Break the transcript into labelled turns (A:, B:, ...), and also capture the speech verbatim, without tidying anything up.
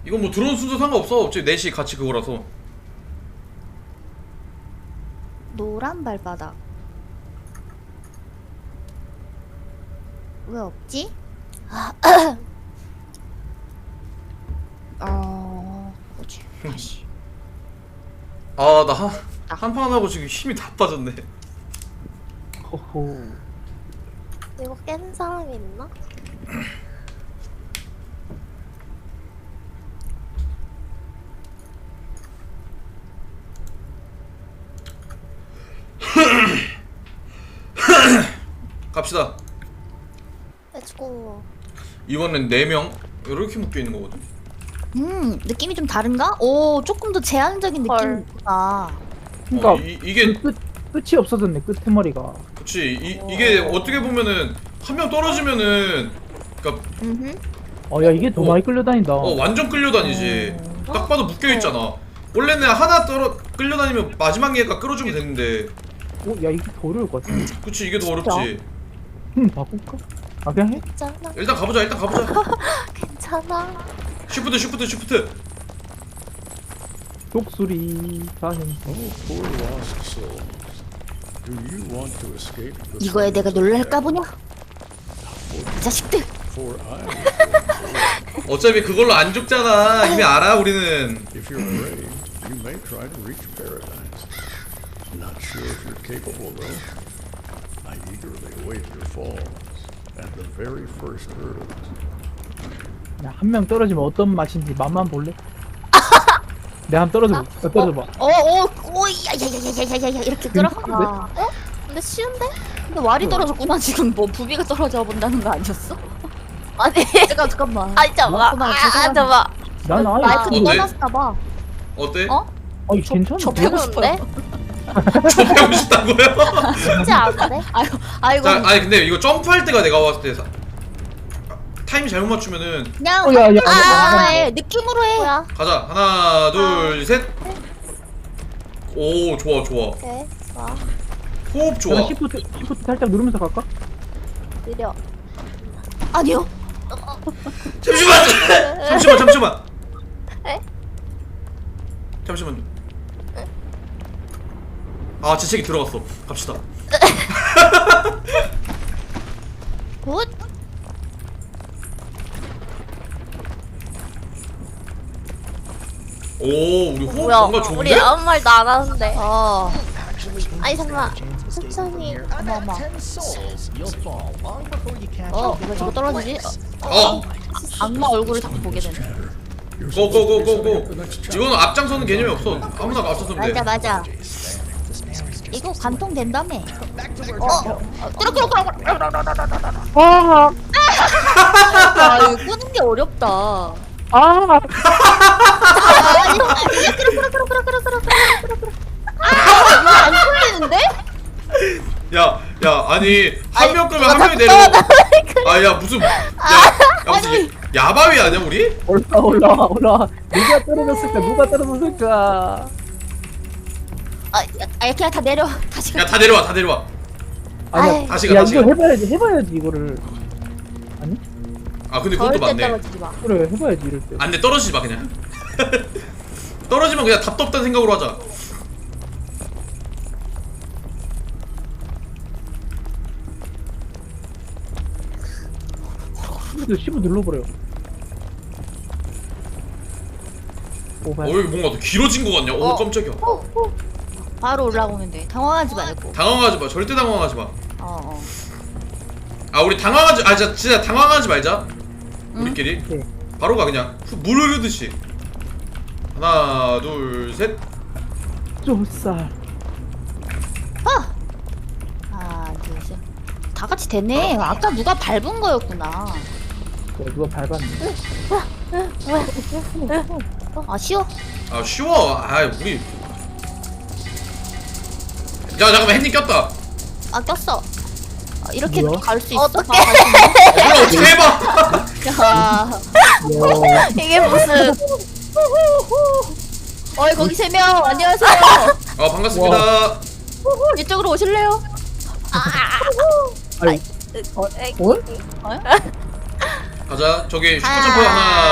A: 이건 뭐 들어온 순서 상관없어. 어차피 넷이 같이 그거라서.
B: 노란 발바닥. 왜 없지? 어... 뭐지? 다시.
A: 아, 나 한, 한판 하고 지금 힘이 다 빠졌네.
C: 호호.
D: 이거 깬 사람이 있나?
A: 갑시다.
D: 렛츠고.
A: 이번엔 네 명 이렇게 묶여 있는 거거든.
B: 음, 느낌이 좀 다른가? 오, 조금 더 제한적인
D: 헐.
B: 느낌이 있구나.
C: 그러니까
A: 어, 이, 이게
C: 끝 끝이 없어졌네. 끝머리가.
A: 그치. 이, 이게 어떻게 보면은 한 명 떨어지면은 그니까
B: 음흠.
C: 어, 야 이게 더
A: 어.
C: 많이 끌려다닌다.
A: 어 완전 끌려다니지. 딱 봐도 묶여 있잖아. 원래는 하나 떨어 끌려다니면 마지막 얘가 끌어주면 되는데.
C: 어, 야 이게 더 어려울 것 같아.
A: 그치, 이게 더 어렵지.
C: 음, 바꿀까? 아 그냥 해?
D: 괜찮아.
A: 일단 가보자. 일단 가보자.
D: 괜찮아.
A: 쉬프트 쉬프트 쉬프트.
C: 독수리 사행.
E: Oh, poor lost souls. Do you want to escape the
B: 이거에 내가 놀랄까 보냐? 이 자식들!
E: For I will.
A: 어차피 그걸로 안 죽잖아. 이미 알아 우리는.
E: If you're brave, you may try to reach paradise. Not sure if you're capable, though. I eagerly await your falls and the very first hurdles.
C: 한 명 떨어지면 어떤 맛인지 맛만 볼래? 내가 한 떨어져. 봐. 떨어져 봐.
B: 어, 어, 오, 야야야야야야야 이렇게 끌어?
C: 근데?
B: 아,
D: 어? 근데 쉬운데?
B: 근데 왈이 떨어졌구나. 지금 뭐 부비가 떨어져 본다는 거 아니었어?
D: 아니.
B: 잠깐 잠깐만.
D: 아니 잠깐만.
B: 그만,
D: 아,
B: 죄송합니다.
D: 잠깐만.
C: 난 아예
B: 마이크
A: 어때?
B: 꺼놨나 봐.
A: 어때?
B: 어?
C: 아니 괜찮아.
B: 접하고 싶어요.
A: 접하고 싶다고요?
D: 쉽지 않은데?
B: 아이고, 아이고.
A: 자, 아니 근데 이거 점프할 때가 내가 봤을 때 사- 타임 잘못 맞추면은
B: 그냥
C: 어, 야, 야,
B: 아,
C: 야,
B: 아,
C: 야, 야.
B: 해. 느낌으로 해.
D: 뭐야?
A: 가자. 하나, 둘, 셋. 오, 좋아, 좋아.
D: 오케이. 좋아.
A: 호흡 좋아.
C: 내가 시프트 시프트 살짝 누르면서 갈까?
D: 느려.
B: 아니요.
A: 잠시만. 잠시만, 잠시만.
D: 에?
A: 잠시만요. 아, 재채기 들어갔어. 갑시다.
B: 굿.
A: 오, 우리 호흡
D: 뭐야?
A: 뭔가 좋은데?
D: 우리 아무 말도 안 하는데.
B: 어.
D: 아니 잠깐만. 천천히.
B: 어머 어머. 어, 왜 저거 떨어지지? 어,
A: 어,
B: 악마 얼굴을 자꾸 보게 되네.
A: 고고고고고. 이거는 앞장서는 개념이 없어. 아무나 앞서서면 돼.
B: 맞아 맞아. 이거 관통 된다며. 어, 끌어 끌어 끌어 끌어.
C: 아,
B: 아, 이거 끄는 게 어렵다.
C: 아,
B: 아, 이거 이거 끌어 끌어 끌어 끌어 끌어 끌어 끌어 끌어. 아, 이거 안 끌리는데?
A: 야, 야, 아니 한
B: 아니,
A: 명 끄면 한
B: 어,
A: 명이
B: 자꾸
A: 내려. 아, 야 무슨, 야, 야 무슨 야바위 아니야 우리?
C: 올라 올라 올라. 누가 떨어졌을까? 누가 떨어졌을까?
B: 아, 야, 그냥 다 내려. 다시 가.
A: 야, 다 내려와, 다 내려와.
C: 아니야.
A: 다시 가,
C: 야
A: 다시
C: 이거
A: 가.
C: 해봐야지. 해봐야지 이거를. 아니?
A: 아, 근데 그것도
B: 절대
A: 맞네.
B: 떨어지지 마.
C: 그래 해봐야지 이럴 때.
A: 안 돼, 떨어지지 마 그냥. 떨어지면 그냥 답도 없다는 생각으로 하자.
C: 시프트 시프트 눌러버려. 오발.
A: 어, 여기 뭔가 더 길어진 거 같냐? 오,
B: 어.
A: 깜짝이야.
B: 바로 올라오면 돼. 당황하지 말고.
A: 당황하지 마, 절대 당황하지 마.
B: 어, 어.
A: 아, 우리 당황하지, 아, 진짜, 진짜 당황하지 말자. 우리끼리.
C: 네.
A: 바로 가 그냥. 후- 물 흐르듯이. 하나, 둘, 셋.
C: 좁쌀.
B: 아! 하나, 둘, 셋. 다 같이 되네. 아까 누가 밟은 거였구나.
C: 그래 누가 밟았네.
B: 아, 쉬워.
A: 아, 쉬워. 아, 우리. 야, 잠깐만, 햇님 꼈다.
B: 아, 꼈어. 아, 이렇게
C: 뭐야?
B: 갈 수 있어?
D: 어떡해.
B: 아, 갈수
A: 몰라, 어떻게 해봐.
B: 있네. 야.
C: 야.
D: 이게 무슨?
B: 어이, 거기 세 명. 안녕하세요.
A: 아, 반갑습니다.
B: 이쪽으로 오실래요?
C: 아니. 어? 어?
A: 가자. 저기 슈퍼
B: 아.
A: 점프 하나.